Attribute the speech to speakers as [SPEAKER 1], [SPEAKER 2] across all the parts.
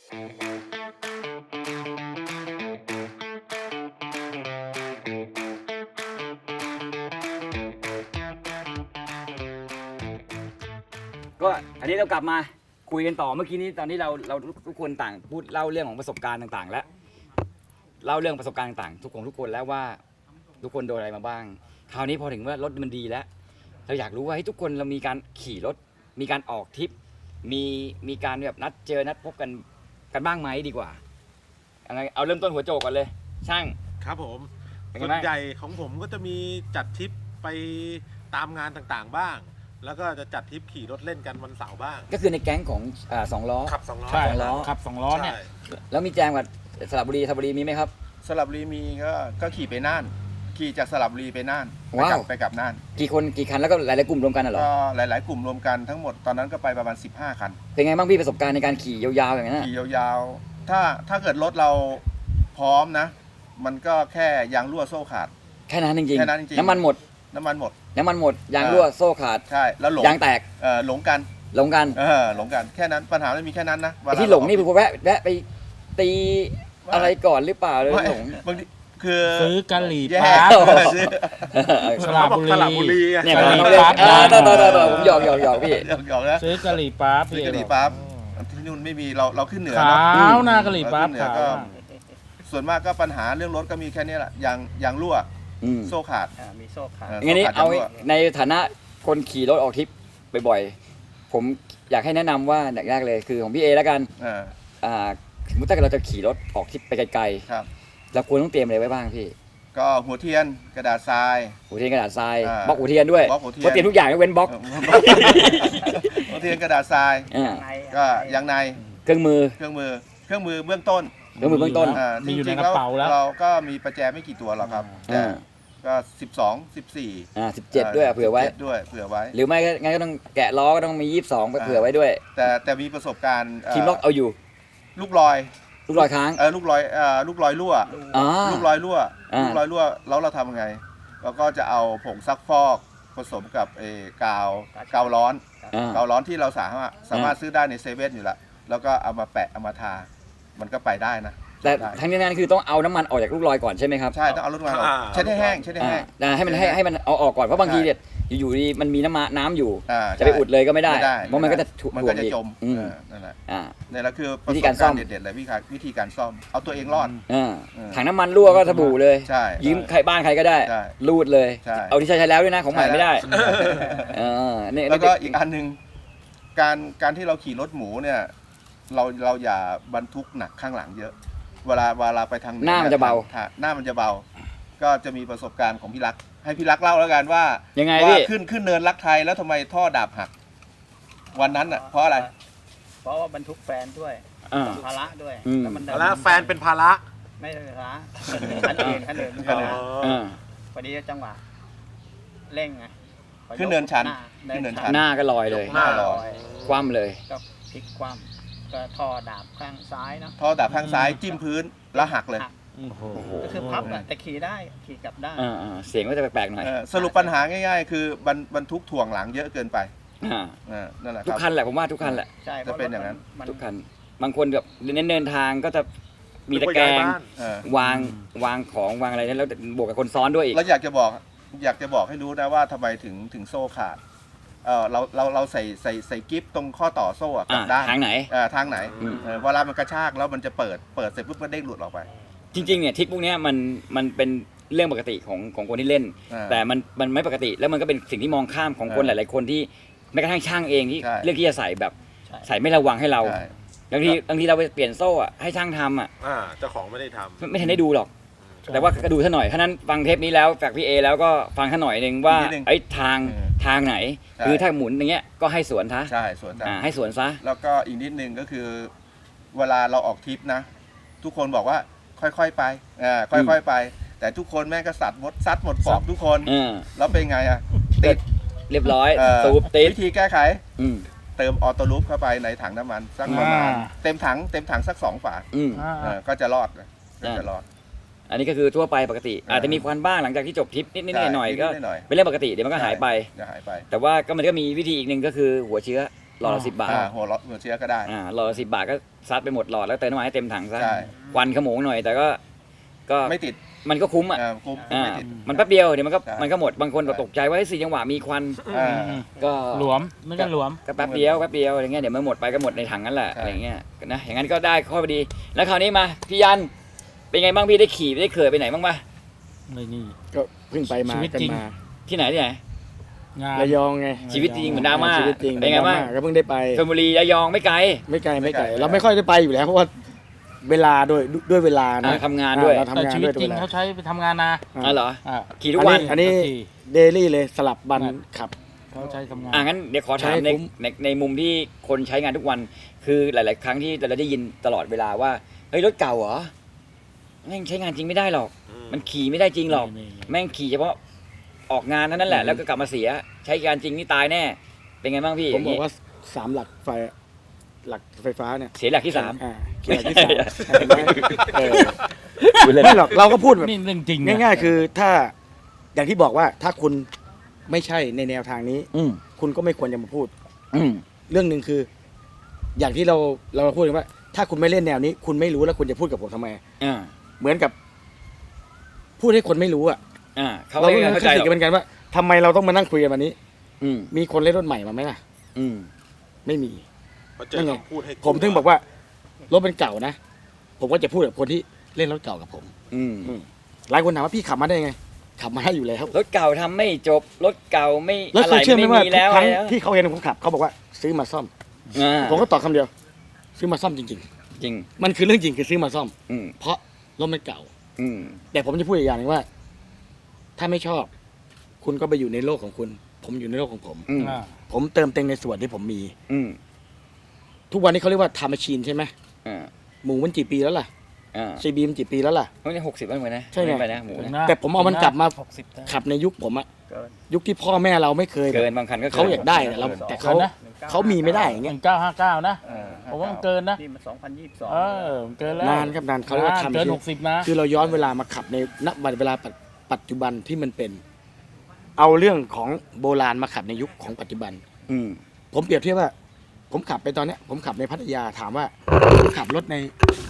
[SPEAKER 1] ก็อันนี้เรากลับมาคุยกันต่อเมื่อกี้นี้ตอนนี้เราทุกคนต่างพูดเล่าเรื่องของประสบการณ์ต่างๆ แล้วเล่าเรื่องประสบการณ์ต่างๆทุกคนแล้วว่าทุกคนโดนอะไรมาบ้างคราวนี้พอถึงว่ารถมันดีแล้วเราอยากรู้ว่าให้ทุกคนเรามีการขี่รถมีการออกทริปมีการแบบนัดเจอนัดพบกันบ้างไหมดีกว่าอะไรเอาเริ่มต้นหัวโจกก่อนเลยช่าง
[SPEAKER 2] ครับผม
[SPEAKER 1] เป็นไง
[SPEAKER 2] ส่ว
[SPEAKER 1] บ้าง
[SPEAKER 2] นใหญ่ของผมก็จะมีจัดทริปไปตามงานต่างๆบ้าง แล้วก็จะจัดทริปขี่รถเล่นกันวันเสาร์บ้าง
[SPEAKER 1] ก็คือในแก๊งของสองล้อ
[SPEAKER 2] ขับ2 ล้อ
[SPEAKER 3] ใช่
[SPEAKER 1] สองล้อ
[SPEAKER 3] ขับ2 ล้อเนี่ย
[SPEAKER 2] ใช่
[SPEAKER 1] แล้วมีแจมกับสระบุรีมีไหมครับ
[SPEAKER 4] สระบุรีมีก็ขี่ไปน่าน ขี่จากสระบุรีไปน่าน
[SPEAKER 1] ว้าว
[SPEAKER 4] ไปกลับน่าน
[SPEAKER 1] กี่คนกี่คันแล้วก็หลายๆกลุ่มรวมกันเหรอ
[SPEAKER 4] ก็หลาย ๆ กลุ่มรวมกันทั้งหมดตอนนั้นก็ไปประมาณ15 คัน
[SPEAKER 1] เป็นไงบ้างพี่ประสบการณ์ในการขี่ยาวๆอย่างนั้น
[SPEAKER 4] ขี่ยาวๆถ้าเกิดรถเราพร้อมนะ มันก็แค่ยางรั่วโซ่ขาด
[SPEAKER 1] แค่นั้นจริง
[SPEAKER 4] แค่นั้นจริงๆ
[SPEAKER 1] น้ำมันหมด
[SPEAKER 4] น้ำมันหมด
[SPEAKER 1] ยางรั่วโซ่ขาด
[SPEAKER 4] ใช่แล้วหลง
[SPEAKER 1] ยางแตก
[SPEAKER 4] หลงกัน
[SPEAKER 1] หลงกัน
[SPEAKER 4] หลงกันแค่นั้นปัญหาไม่มีแค่นั้นนะ
[SPEAKER 1] ไอ้ที่หลงนี่คือแวะไปตีอะไรก่อนหรือเปล่าเลย
[SPEAKER 4] ไม่
[SPEAKER 1] หลง
[SPEAKER 4] บางทีคือ
[SPEAKER 3] ซื้อกะหรี่
[SPEAKER 4] แย่
[SPEAKER 3] ปั๊บ
[SPEAKER 4] ซื้อ
[SPEAKER 3] สระบุรี
[SPEAKER 2] สระบุรีอะ
[SPEAKER 1] เนี่ย
[SPEAKER 3] กะห
[SPEAKER 1] ผม
[SPEAKER 3] รี่
[SPEAKER 1] เรียก
[SPEAKER 3] ปั๊บ
[SPEAKER 1] ต่อผมหยอกพี่
[SPEAKER 4] หยอกๆนะ
[SPEAKER 3] ซื้อกะหรี่ปั๊บ
[SPEAKER 4] ซื้อกะหรี่ปั๊บที่นู่นไม่มีเราขึ้นเหนือ
[SPEAKER 3] ขา
[SPEAKER 4] เนาะ
[SPEAKER 3] วหน้ากะหรี่ปั๊บ
[SPEAKER 4] เราขึ้นเหนือ
[SPEAKER 3] ขาว
[SPEAKER 4] ก็ส่วนมากก็ปัญหาเรื่องรถก็มีแค่นี้แหละยางรั่ว
[SPEAKER 1] อืม
[SPEAKER 4] โซ่ขาด
[SPEAKER 5] มีโซ่ขาด
[SPEAKER 1] งั้นนี้
[SPEAKER 4] โซ่ขด
[SPEAKER 1] เอา
[SPEAKER 4] ยงรั่ว
[SPEAKER 1] ในฐานะคนขี่รถออกทริปบ่อยๆผมอยากให้แนะนำว่าอย่างแรกเลยคือของพี่เอแล้วกัน สมมติถ้าเกิดเราจะขี่รถออกทริปไปไกล
[SPEAKER 4] ครับ
[SPEAKER 1] ๆเราควรต้องเตรียมอะไรไว้บ้างพี่
[SPEAKER 4] ก็หัวเทียนกระดาษทราย
[SPEAKER 1] หัวเทียนกระดาษทราย
[SPEAKER 4] อ่า
[SPEAKER 1] บล็อกหัวเทียนด้วย
[SPEAKER 4] บล็อกหัวเทียน
[SPEAKER 1] เพราะเตรียมทุกอย่างยกเว้นบล็อก
[SPEAKER 4] หัวเทียนกระดาษทราย
[SPEAKER 1] อ่า
[SPEAKER 4] ก็ยางใน
[SPEAKER 1] เครื่องมือ
[SPEAKER 4] เครื่องมือเบื้องต้น
[SPEAKER 1] เครื่องมือเบื้องต้น
[SPEAKER 3] มีอยู่ใน
[SPEAKER 4] จงๆ
[SPEAKER 3] กระเป๋าแล้ว
[SPEAKER 4] เราก็มีประแจไม่กี่ตัวหรอกครับแต่
[SPEAKER 1] อ่า
[SPEAKER 4] ก็12 14
[SPEAKER 1] 17ด้วยเผื่อไว้
[SPEAKER 4] 17ด้วยเผื่อไว้
[SPEAKER 1] หรือไม่ก็งั้นก็ต้องแกะล้อก็ต้องมี22ไปเผื่อไว้ด้วย
[SPEAKER 4] แต่มีประสบการณ์
[SPEAKER 1] ทีมล็อกเอาอยู่
[SPEAKER 4] ลูกลอย
[SPEAKER 1] ลูกรอยค้าง
[SPEAKER 4] ลูกลอยรั่ว
[SPEAKER 1] อ๋อ
[SPEAKER 4] ลูกลอยรั่ว
[SPEAKER 1] อ่า
[SPEAKER 4] ลูกลอยรั่วแล้วเราทำยังไงเราก็จะเอาผงซักฟอกผสมกับกาวร้อน
[SPEAKER 1] อ่า
[SPEAKER 4] กาวร้อนที่เราสามารถซื้อได้ในเซเว่นอยู่แล้วแล้วก็เอามาแปะเอามาทา มันก็ไปได้นะ
[SPEAKER 1] แต่
[SPEAKER 4] ได้
[SPEAKER 1] ทั้งนี้นั้นคือต้องเอาน้ำมันออกจากลูกรอยก่อนใช่ไหมครับ
[SPEAKER 4] ใช่ต้องเอาลูกลอยออกเช็ดให้แห้งเช็ดให้แห้ง
[SPEAKER 1] ให้มันเอาออกก่อนเพราะบางทีเนี่ยอยู่ๆดีมันมีน้ำอยู่
[SPEAKER 4] อ่า
[SPEAKER 1] จะไปอุดเลยก็ไม่ได้
[SPEAKER 4] ไม่ได้
[SPEAKER 1] เพราะมันก็จะ
[SPEAKER 4] มัน
[SPEAKER 1] ถ่ว
[SPEAKER 4] ก็
[SPEAKER 1] ง
[SPEAKER 4] จะ
[SPEAKER 1] อีก
[SPEAKER 4] จม
[SPEAKER 1] อืม
[SPEAKER 4] นั่นแหละ
[SPEAKER 1] อ่า
[SPEAKER 4] นี่แหละคือประ
[SPEAKER 1] วิ
[SPEAKER 4] ส
[SPEAKER 1] ธี
[SPEAKER 4] บ
[SPEAKER 1] การซ่
[SPEAKER 4] กา
[SPEAKER 1] อ
[SPEAKER 4] ร
[SPEAKER 1] ม
[SPEAKER 4] ณ์เด็ดๆเลยวิธีการซ่อมเอาตัวเองรอด
[SPEAKER 1] อ่า
[SPEAKER 4] เออ
[SPEAKER 1] ถังน้ำมันรั่วก็สบู่เลย
[SPEAKER 4] ใช่
[SPEAKER 1] ยืมใครบ้านใครก็ได้
[SPEAKER 4] ใช่
[SPEAKER 1] รูดเลย
[SPEAKER 4] ใช่
[SPEAKER 1] เอาที่ใช้แล้วด้วยนะของใหม่ไม่ได้
[SPEAKER 4] ใช่แล้ว
[SPEAKER 1] นี่
[SPEAKER 4] แล้วก็อีกอันหนึ่งการที่เราขี่รถหมูเนี่ยเราอย่าบรรทุกหนักข้างหลังเยอะ เวลาไปทาง
[SPEAKER 1] หน้ามันจะเบา
[SPEAKER 4] หน้ามันจะเบา ก็จะมีประสบการณ์ของพี่รัก ให้พี่รักเล่าแล้วกันว่า
[SPEAKER 1] ยังไง
[SPEAKER 4] ว่า
[SPEAKER 1] พี่
[SPEAKER 4] ขึ้นเนินรักไทยแล้วทำไมท่อดาบหัก วันนั้นอ่ะเพราะอะไร
[SPEAKER 5] เพราะว่าบรรทุกแฟนด้วย
[SPEAKER 1] อ่า
[SPEAKER 5] ภาระด้วย
[SPEAKER 1] อืม
[SPEAKER 5] แล้วมัน
[SPEAKER 2] แล้วแฟนเป็นภาระ
[SPEAKER 5] ไม่ใช่ภาระคันอื่นภาระ
[SPEAKER 1] อ่า
[SPEAKER 5] พอดีจังหวะเร่งไง
[SPEAKER 4] ขึ้นเนินชัน
[SPEAKER 5] หา
[SPEAKER 4] ขึ้นเนินชั
[SPEAKER 1] หน้าก็ลอยเลย
[SPEAKER 2] หน้า
[SPEAKER 4] ลอย
[SPEAKER 1] คว่ำเลย
[SPEAKER 5] ก็พลิกคว่ำก็ท่อดาบข้างซ้ายเนาะ
[SPEAKER 4] ท่อดาบข้างซ้ายจิ้มพื้นแล้วหักเลย
[SPEAKER 5] หัก
[SPEAKER 3] โอ้โห
[SPEAKER 5] ก็คือพับอะแต่ขี่ได้ขี่กลับได้
[SPEAKER 1] เสียงก็จะแปลกๆหน่อย
[SPEAKER 4] สรุปปัญหาง่ายๆ คือบรรทุกถ่วงหลังเยอะเกินไป
[SPEAKER 1] อ่า
[SPEAKER 4] นั่นแหละค
[SPEAKER 1] ทุก
[SPEAKER 4] รับ
[SPEAKER 1] คันแหละผมว่าทุกคันแหละ
[SPEAKER 5] ใช่
[SPEAKER 4] จะเป็นอย่างนั้น
[SPEAKER 5] มัน
[SPEAKER 1] ทุกคันบางคนแบบเดินทางก็จะมีตะแกรง
[SPEAKER 4] เออ
[SPEAKER 1] วางของวางอะไรนั้นแล้วบวกกับคนซ้อนด้วยอีก
[SPEAKER 4] แล้วอยากจะบอกให้รู้นะว่าทำไมถึงโซ่ขาดเราใส่กิฟตรงข้อต่อโซ่อะกลับด้าน
[SPEAKER 1] ทางไหน
[SPEAKER 4] ทางไหน
[SPEAKER 1] อืม
[SPEAKER 4] เวลามันกระชากแล้วมันจะเปิดเสร็จปุ๊บมันเด้งหลุดออกไป
[SPEAKER 1] จริงๆเนี่ยทริปพวกเนี้ยมันเป็นเรื่องปกติของคนที่เล่น แต่มันไม่ปกติแล้วมันก็เป็นสิ่งที่มองข้ามของคนหลายๆคนที่แม้กระทั่งช่างเองที่
[SPEAKER 4] ใช่
[SPEAKER 1] เลือกที่จะใส่แบบ
[SPEAKER 5] ใช่
[SPEAKER 1] ใส่ไม่ระวังให้เรา
[SPEAKER 4] ใช่
[SPEAKER 1] บางทีเราไปเปลี่ยนโซ่อะให้ช่างทำอะ
[SPEAKER 2] เจ้าของไม่ได้ทำ
[SPEAKER 1] ไม่ทันได้ดูหรอก แต่ว่าก็ดูท่าหน่อยท่านั้นฟังเทปนี้แล้วจากพี่เอแล้วก็ฟังท่าหน่อยหนึ่งว่า
[SPEAKER 4] นิดนึง
[SPEAKER 1] ไอ้ทางไหน
[SPEAKER 4] ใช่
[SPEAKER 1] คือถ้าหมุนอย่างเงี้ยก็ให้สวนซะ
[SPEAKER 4] ใช่สวนทาง
[SPEAKER 1] ให้สวนซะ
[SPEAKER 4] แล้วก็อีกนิดนึงก็คือ เวลาเราออกทริปนะ ทุกคนบอกว่าค่อยๆไปค่อยๆไป แต่ทุกคนแม่งก็ซัดหมดปอกทุกคน แล้วเป็นไงอ่ะติด
[SPEAKER 1] เรียบร้อย
[SPEAKER 4] เออ
[SPEAKER 1] สูบติด
[SPEAKER 4] วิธีแก้ไข
[SPEAKER 1] อืม
[SPEAKER 4] เติมออโต้ลูปเข้าไปในถังน้ำมันสักประมาณเต็มถังสัก2 ฝา
[SPEAKER 1] อืม
[SPEAKER 4] ก็จะรอดนะก็จะรอด
[SPEAKER 1] อันนี้ก็คือทั่วไปปกติ อาจจะมีควันบ้างหลังจากที่จบทริปนิดๆหน่อยๆก็
[SPEAKER 4] นิดๆหน่อย
[SPEAKER 1] เป็นเรื่องปกติเดี๋ยวมันก็หายไป
[SPEAKER 4] จะหายไป
[SPEAKER 1] แต่ว่าก็มันก็มีวิธีอีกหนึ่งก็คือหัวเชื้อหลอดละ10 บาท
[SPEAKER 4] หัวเชื้อก็ได้
[SPEAKER 1] หลอดละ10 บาทก็ซัดไปหมดหลอดแล้วเติมน้ำมันให้เต็มถังซะ
[SPEAKER 4] ใช่
[SPEAKER 1] ควันขโมงหน่อยแต่ก็
[SPEAKER 4] ไม่ติด
[SPEAKER 1] มันก็คุ้มอ่ะ
[SPEAKER 4] คุ้ม
[SPEAKER 1] อ่า
[SPEAKER 4] ไม่ติด
[SPEAKER 1] มันแป๊บเดียวเดี๋ยวมันก็
[SPEAKER 4] ใช่
[SPEAKER 1] มันก็หมดบางคนก็ตกใจว่า4 จังหวะมีควัน
[SPEAKER 4] อ่า
[SPEAKER 1] ก็
[SPEAKER 3] หลวมไม่ก็หลวม
[SPEAKER 1] ก็แป๊บเดียวอะไรเงี้ยเดี๋ยวมันหมดไปก็หมดในถังนั่นแหละ
[SPEAKER 4] ใช่
[SPEAKER 1] อะไรเงี้ยนะอย่างนั้นก็ได้ข้อดีแล้วคราวนี้มาพี่ยันเป็นไงบ้างพี่ได้ขี่ได้เคยไปไหนบ้างปะ
[SPEAKER 3] ไม่นี่
[SPEAKER 6] ก็เพิ่งไปมา
[SPEAKER 3] ชีวิต
[SPEAKER 6] กัน
[SPEAKER 3] จริง
[SPEAKER 6] มา
[SPEAKER 1] ที่ไหนที่ไหน
[SPEAKER 3] งาน
[SPEAKER 6] ระยองไง
[SPEAKER 1] ชีวิตจริงเหมือนดราม่า
[SPEAKER 6] ชีวิตจริง
[SPEAKER 1] เป็นไงบ้าง
[SPEAKER 6] ดรม่ก็เพิ่งได้ไป
[SPEAKER 1] ชลบุรีระยองไม่ไกล
[SPEAKER 6] ไม่ไกล
[SPEAKER 4] ไม่ไกล
[SPEAKER 6] เราไม่ค่อยได้ไปอยู่แล้วเพราะว่าเวลาด้วยเวลานะ
[SPEAKER 1] ทำงานด้วย
[SPEAKER 6] เรา
[SPEAKER 3] แต่
[SPEAKER 6] ทำงาน
[SPEAKER 3] ชีวิต
[SPEAKER 6] ด้วย
[SPEAKER 3] จริง
[SPEAKER 6] วล
[SPEAKER 3] เขาใช้ไปทำงานนะ
[SPEAKER 1] อ๋อเหรอ
[SPEAKER 3] อ่า
[SPEAKER 1] ขี่ทุกวัน
[SPEAKER 6] อันนี้
[SPEAKER 3] ขี่
[SPEAKER 6] เดลี่เลยสลับบัน
[SPEAKER 3] ครับ
[SPEAKER 6] ขับ
[SPEAKER 3] เขาใช้ทำงาน
[SPEAKER 1] งั้นเดี๋ยวขอถาม
[SPEAKER 6] ใช้
[SPEAKER 1] ใน
[SPEAKER 6] คุ้ม
[SPEAKER 1] ในมุมที่คนใช้งานทุกวัน คือหลาย ๆ ครั้งที่เราได้ยินตลอดเวลาว่าเฮ้ยรถเก่าเหรอแม่งใช้งานจริงไม่ได้หรอก มันขี่ไม่ได้จริงหรอก แม่งขี่เฉพาะออกงานเท่านั้นแหละ แล้วก็กลับมาเสีย ใช้การจริงนี่ตายแน่ เป็นไงบ้างพี่
[SPEAKER 6] ผมบอกว่า3 หลักไฟฟ้าเนี่ย
[SPEAKER 1] เสียหลักที่ 3
[SPEAKER 6] หลักที่สามเห็นไหมเออไม่หรอกเราก็พูดแบบ
[SPEAKER 3] นี่เรื่องจริงนะ
[SPEAKER 6] ง่ายๆ คือถ้าอย่างที่บอกว่าถ้าคุณไม่ใช่ในแนวทางนี้
[SPEAKER 1] อืม
[SPEAKER 6] คุณก็ไม่ควรจะมาพูด
[SPEAKER 1] อืม
[SPEAKER 6] เรื่องหนึ่งคือ อย่างที่เราพูดกันว่า ถ้าคุณไม่เล่นแนวนี้ คุณไม่รู้แล้วคุณจะพูดกับผมทำไม
[SPEAKER 1] อ่า
[SPEAKER 6] เหมือนกับ พูดให้คนไม่รู้อ่ะ
[SPEAKER 1] เขา
[SPEAKER 6] เรา
[SPEAKER 1] ไม่
[SPEAKER 6] ก็
[SPEAKER 1] เข้า
[SPEAKER 6] เข้า
[SPEAKER 1] ใจ
[SPEAKER 6] ใจ
[SPEAKER 1] หรอก
[SPEAKER 6] กันเหมือนกันว่าทำไมเราต้องมานั่งคุยกันวันนี้
[SPEAKER 1] อืม
[SPEAKER 6] มีคนเล่นรถใหม่มาไหมล่ะ
[SPEAKER 1] อืม
[SPEAKER 6] ไม่มี
[SPEAKER 2] พอเจอคำพูดให้
[SPEAKER 6] ผมถึงบอกว่ารถเป็นเก่านะผมก็จะพูดกับคนที่เล่นรถเก่ากับผม
[SPEAKER 1] อืม
[SPEAKER 6] หลายคนถามว่าพี่ขับมาได้ไง ขับมาได้อยู่แล้ว
[SPEAKER 1] รถเก่าทำไม่จบ รถเก่าไม่
[SPEAKER 6] แล้ว
[SPEAKER 1] อะ
[SPEAKER 6] เค
[SPEAKER 1] ไร
[SPEAKER 6] ยเชื่อไหม
[SPEAKER 1] ไม่
[SPEAKER 6] ว่า
[SPEAKER 1] มี
[SPEAKER 6] ทุ
[SPEAKER 1] แล้
[SPEAKER 6] ก
[SPEAKER 1] ว
[SPEAKER 6] ครั้ง
[SPEAKER 1] อะไรแล้ว
[SPEAKER 6] ที่เขาเห็นผมขับเขาบอกว่าซื้อมาซ่อม
[SPEAKER 1] อ่า
[SPEAKER 6] ผมก็ตอบคำเดียว ซื้อมาซ่อมจริง
[SPEAKER 1] จริง
[SPEAKER 6] ๆ มันคือเรื่องจริงคือซื้อมาซ่อม
[SPEAKER 1] อืม
[SPEAKER 6] เพราะรถมันเก่า
[SPEAKER 1] อืม
[SPEAKER 6] แต่ผมจะพูดอีกอย่างหนึงว่า ถ้าไม่ชอบ คุณก็ไปอยู่ในโลกของคุณ ผมอยู่ในโลกของผม
[SPEAKER 1] อืม
[SPEAKER 3] อ่า
[SPEAKER 6] ผมเติมเต็มในส่วนที่ผมมี
[SPEAKER 1] อืม
[SPEAKER 6] ทุกวันนี้เขาเรียกว่าทำแมชชีนใช่ไหม
[SPEAKER 1] อ่า
[SPEAKER 6] หมูมันกี่ปีแล้วล่ะ
[SPEAKER 1] อ่า
[SPEAKER 6] ซีบีมันกี่ปีแล้วล่ะ
[SPEAKER 1] เฮ้ยนี่60แล้วเหมือนนะ
[SPEAKER 6] ใช่ไง
[SPEAKER 1] ม่ไปนะหมูนะ
[SPEAKER 6] แต่ผมเอามันกลับมา
[SPEAKER 3] 60นะ
[SPEAKER 6] ขับในยุคผมอะ
[SPEAKER 5] เกิน
[SPEAKER 6] ยุคที่พ่อแม่เราไม่เคย
[SPEAKER 1] เกินบางคันก็
[SPEAKER 6] เขาอยากได้อะเราแต่เขา
[SPEAKER 3] เกินนะ
[SPEAKER 6] เขามีไม่ได้อย่าง
[SPEAKER 3] ห
[SPEAKER 6] เงี้ย
[SPEAKER 3] นึ่งเก้าห้าเก้านะผมว่ามันเกินนะ
[SPEAKER 5] นี่มัน 2022
[SPEAKER 3] เออมันเกินแล้ว
[SPEAKER 6] นานครับนานเขาเรียกว่าทำ
[SPEAKER 3] เกิน
[SPEAKER 6] ชีวิต
[SPEAKER 3] 60นะ
[SPEAKER 6] คือเราย้อนเวลามาขับในณเวลาปัจจุบันที่มันเป็น เอาเรื่องของโบราณมาขับในยุคของปัจจุบัน
[SPEAKER 1] อืม
[SPEAKER 6] ผมเปรียบเทียบว่า ผมขับไปตอนเนี้ย ผมขับในพัทยาถามว่าผมขับรถใน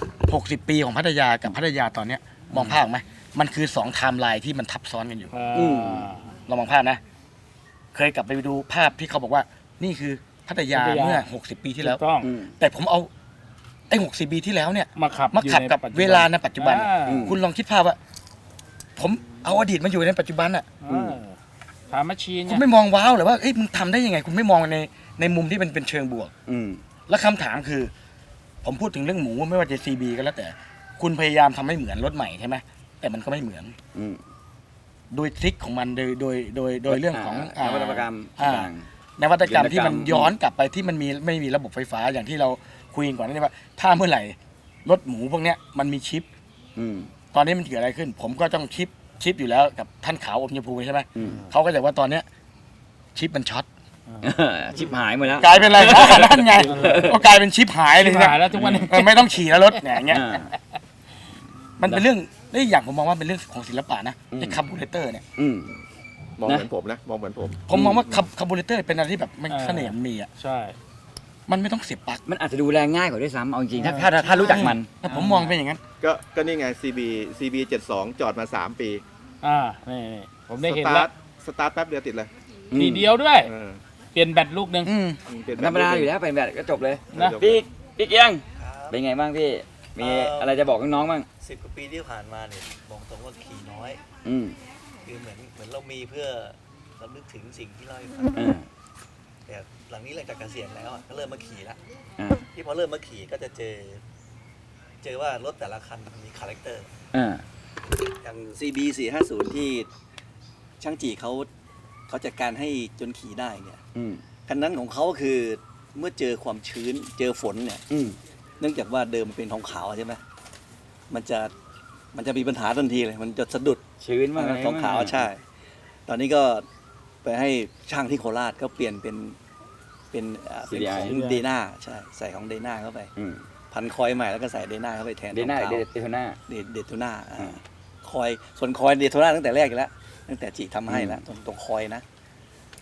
[SPEAKER 6] 60 ปีของพัทยากับพัทยาตอนเนี้ยมองภาพไหมมันคือ2ไทม์ไลน์ที่มันทับซ้อนกันอยู่
[SPEAKER 3] อืม
[SPEAKER 6] เรามองภาพนะ เคยกลับไปดูภาพที่เขาบอกว่า นี่คือพัทยาเมื่อ60 ปีที่แล้ว
[SPEAKER 3] ถูกต้อง
[SPEAKER 1] อืม
[SPEAKER 6] แต่ผมเอาไอ้60 ปีที่แล้วเนี่ย
[SPEAKER 3] มาขับ
[SPEAKER 6] มาขับกับ
[SPEAKER 3] อยู่ในปัจจุบัน
[SPEAKER 6] เวลาในปัจจุบัน
[SPEAKER 3] อ่า
[SPEAKER 6] คุณลองคิดภาพว่า ผมเอาอดีตมาอยู่ในปัจจุบันอ่ะ
[SPEAKER 3] ถามแมชชีน
[SPEAKER 6] คุณไม่มองว้าวหรือว่าเอ้ยมึงทำได้ยังไง คุณไม่มองในมุมที่มันเป็นเชิงบวก
[SPEAKER 1] อืม
[SPEAKER 6] แล้วคำถามคือ ผมพูดถึงเรื่องหมูไม่ว่าจะซีบีก็แล้วแต่ คุณพยายามทำให้เหมือนรถใหม่ใช่ไหมแต่มันก็ไม่เหมือน
[SPEAKER 1] อืม
[SPEAKER 6] โดยทริคของมันโดยเรื่องของ
[SPEAKER 1] นวัตกรรม
[SPEAKER 6] อ่า
[SPEAKER 1] ต่าง
[SPEAKER 6] นวัตกรรมที่มัน
[SPEAKER 1] นวัตกรรม
[SPEAKER 6] ย้อนกลับไปที่มันไม่มีระบบไฟฟ้าอย่างที่เราคุยกันก่อนนี่ว่า ถ้าเมื่อไหร่รถหมูพวกเนี้ยมันมีชิป
[SPEAKER 1] อืม
[SPEAKER 6] ตอนนี้มันเกิดอะไรขึ้น ผมก็ต้องชิปอยู่แล้วกับท่านขาวอมยภูใช่ไหม
[SPEAKER 1] อืม
[SPEAKER 6] เขาก็จะว่าตอนเนี้ยชิปมันช็อต
[SPEAKER 1] ชิบหายหมดแล้ว
[SPEAKER 6] กลายเป็นอะไร นั่นไงก็กลายเป็นชิปหายเลย
[SPEAKER 3] ชิบ
[SPEAKER 6] นะ
[SPEAKER 3] หายแล้วทุกวันนี้
[SPEAKER 6] ไม่ต้องขี่แล้วรถเนี่ยอย่างเงี้ย
[SPEAKER 1] อ่า
[SPEAKER 6] มันเป็นเรื่องได้อย่างผมมองว่าเป็นเรื่องของศิลปะนะ
[SPEAKER 1] อืม
[SPEAKER 6] ไอ้คาร์บูเรเตอร์เนี่ย
[SPEAKER 1] อืม
[SPEAKER 4] มองเหมือนผมนะ มองเหมือนผม
[SPEAKER 6] ผมมองว่าคาร์บูเรเตอร์เป็นอะไรที่แบบมันเสน่ห์มันมีอ่ะ
[SPEAKER 3] ใช่
[SPEAKER 6] มันไม่ต้องเสียบปลั๊ก
[SPEAKER 1] มันอาจจะดูแลง่ายกว่าด้วยซ้ำเอาจริงๆถ้ารู้จักมัน
[SPEAKER 6] แต่ผมมองเป็นอย่างนั้น
[SPEAKER 4] ก็นี่ไง CB 72 จอดมา 3 ปี
[SPEAKER 3] อ่านี่ผมได้เห็น
[SPEAKER 4] ส
[SPEAKER 3] แล้
[SPEAKER 4] ตาว ร์ทสตาร์ทแป๊บเดียวติดเลย
[SPEAKER 3] ทีเดียวด้วย
[SPEAKER 4] เออ
[SPEAKER 3] เปลี่ยนแบตลูกหนึ่ง
[SPEAKER 4] เปลี่ยน
[SPEAKER 1] ธรรมดาอยู่แล้วเป็นแบบก็จบเลย
[SPEAKER 3] นะ
[SPEAKER 1] พี่เกียง เป็นไงบ้างพี่ มีอะไรจะบอกน้องๆบ้าง
[SPEAKER 7] 10 กว่าปีที่ผ่านมาเนี่ยบอกตรงว่าขี่น้อย
[SPEAKER 1] อืม
[SPEAKER 7] คือเหมือนเรามีเพื่อเรานึกถึงสิ่งที่เราให้ฟัง
[SPEAKER 1] อ่า
[SPEAKER 7] แต่หลังนี้หลังจากเกษียณแล้วอะก็เริ่มมาขี่แล้ว
[SPEAKER 1] อ่า
[SPEAKER 7] ที่พอเริ่มมาขี่ก็จะเจอว่ารถแต่ละคันมันมีคาแรคเตอร์
[SPEAKER 1] อ่า
[SPEAKER 7] อย่าง CB 450 ที่ช่างจีเขาจัดการให้จนขี่ได้เนี่ย
[SPEAKER 1] อืม
[SPEAKER 7] คันนั้นของเขาก็คือเมื่อเจอความชื้นเจอฝนเนี่ย
[SPEAKER 1] อืม
[SPEAKER 7] เนื่องจากว่าเดิมมันเป็นทองขาวใช่ไหมมันจะมีปัญหาทันทีเลย มันจะสะดุด
[SPEAKER 1] ชื้นมากเลย
[SPEAKER 7] ทองขาวใช่ ตอนนี้ก็ไปให้ช่างที่โคราชก็เปลี่ยนเป็นของเดน่าใช่ใส่ของเดน่าเข้าไป
[SPEAKER 1] อืม
[SPEAKER 7] พันคอยใหม่แล้วก็ใส่เดน่าเข้าไปแทน
[SPEAKER 1] เดน่า
[SPEAKER 7] ทอง
[SPEAKER 1] เด
[SPEAKER 7] ขาว
[SPEAKER 1] โทน่า
[SPEAKER 7] เดโทน่าคอยส่วนคอยเดโทน่าตั้งแต่แรกอยู่แล้วตั้งแต่จีทำให้แล้วตรงคอยนะ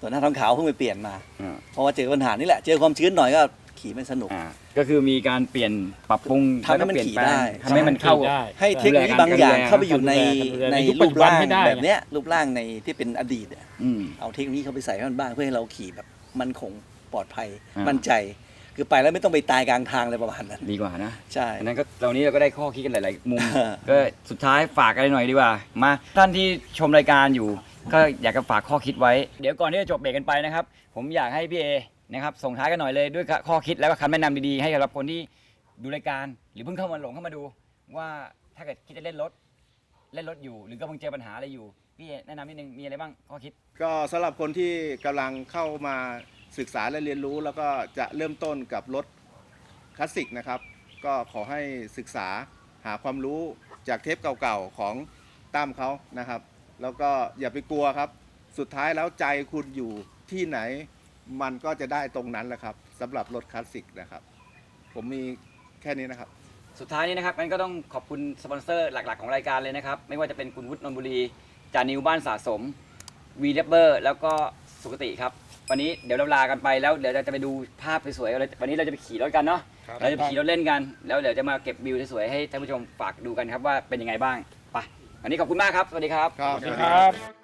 [SPEAKER 7] ส่วนหน้าทองขาวเพิ่งไปเปลี่ยนมา
[SPEAKER 1] อ่า
[SPEAKER 7] เพราะว่าเจอปัญหานี่แหละ เจอความชื้นหน่อยก็ขี่ไม่สนุก
[SPEAKER 1] ก็คือมีการเปลี่ยนปรับปรุง
[SPEAKER 7] ทำให้มัน
[SPEAKER 1] แล้วก็เปลี่ย
[SPEAKER 7] ขี่
[SPEAKER 1] แปลง
[SPEAKER 7] ได้
[SPEAKER 1] ทำให้มันเข้า
[SPEAKER 3] ได้
[SPEAKER 7] ให้เทคโนโลยีบางอย่างเข้าไปอยู่ใน
[SPEAKER 3] ใน
[SPEAKER 7] ใน
[SPEAKER 3] ยุคปั
[SPEAKER 7] รู
[SPEAKER 3] จ
[SPEAKER 7] ป
[SPEAKER 3] จุบัน
[SPEAKER 7] ร่าง
[SPEAKER 3] ให้ได้
[SPEAKER 7] แบบเนี้ยรูปร่างในที่เป็นอดีตอะ
[SPEAKER 1] อืม
[SPEAKER 7] เอาเทคโนโลยีเข้าไปใส่ให้มันบ้างเพื่อให้เราขี่แบบมั่นคงปลอดภัย
[SPEAKER 1] อ่ามั่
[SPEAKER 7] มั่นใจ คือไปแล้วไม่ต้องไปตายกลางทางอะไรประมาณนั้น
[SPEAKER 1] ดีกว่านะ
[SPEAKER 7] ใช่
[SPEAKER 1] อันนั้นก็ตอนนี้เราก็ได้ข้อคิดกันหลาย ๆ มุม
[SPEAKER 7] เออ
[SPEAKER 1] ก็สุดท้ายฝากอะไรหน่อยดีกว่า มาท่านที่ชมรายการอยู่ ก็อยากจะฝากข้อคิดไว้ เดี๋ยวก่อนที่จะจบเบรกกันไปนะครับ ผมอยากให้พี่เอนะครับส่งท้ายกันหน่อยเลยด้วยข้อคิดแล้วก็คำแนะนำดี ๆ ให้กับคนที่ดูรายการ หรือเพิ่งเข้ามาดู ว่าถ้าเกิดคิดจะเล่นรถอยู่ หรือกำลังเจอปัญหาอะไรอยู่พี่เอแนะนำนิดนึงมีอะไรบ้างข้อคิด
[SPEAKER 4] ก็สำหรับคนที่กำลังเข้ามาศึกษาและเรียนรู้ แล้วก็จะเริ่มต้นกับรถคลาสสิกนะครับ ก็ขอให้ศึกษาหาความรู้จากเทปเก่าๆของตั้มเขานะครับ แล้วก็อย่าไปกลัวครับ สุดท้ายแล้วใจคุณอยู่ที่ไหน มันก็จะได้ตรงนั้นแหละครับสำหรับรถคลาสสิกนะครับ ผมมีแค่นี้นะครับ
[SPEAKER 1] สุดท้ายนี้นะครับงั้นก็ต้องขอบคุณสปอนเซอร์หลัก ๆ ของรายการเลยนะครับ ไม่ว่าจะเป็นคุณวุฒินนท์บุรีจานิวบ้านสะสมวีเลเบอร์แล้วก็สุขติครับ วันนี้เดี๋ยวเราลากันไปแล้วเดี๋ยวเราจะไปดูภาพสวยๆวันนี้เราจะไปขี่รถกันเนาะเราจะไปขี่รถเล่นกัน แล้วเดี๋ยวจะมาเก็บวิวสวยๆให้ท่านผู้ชมฝากดูกันครับว่าเป็นยังไงบ้างไปวันนี้ขอบคุณมากครับสวัสดีครับ
[SPEAKER 4] ครับ
[SPEAKER 3] สวัสดีครับ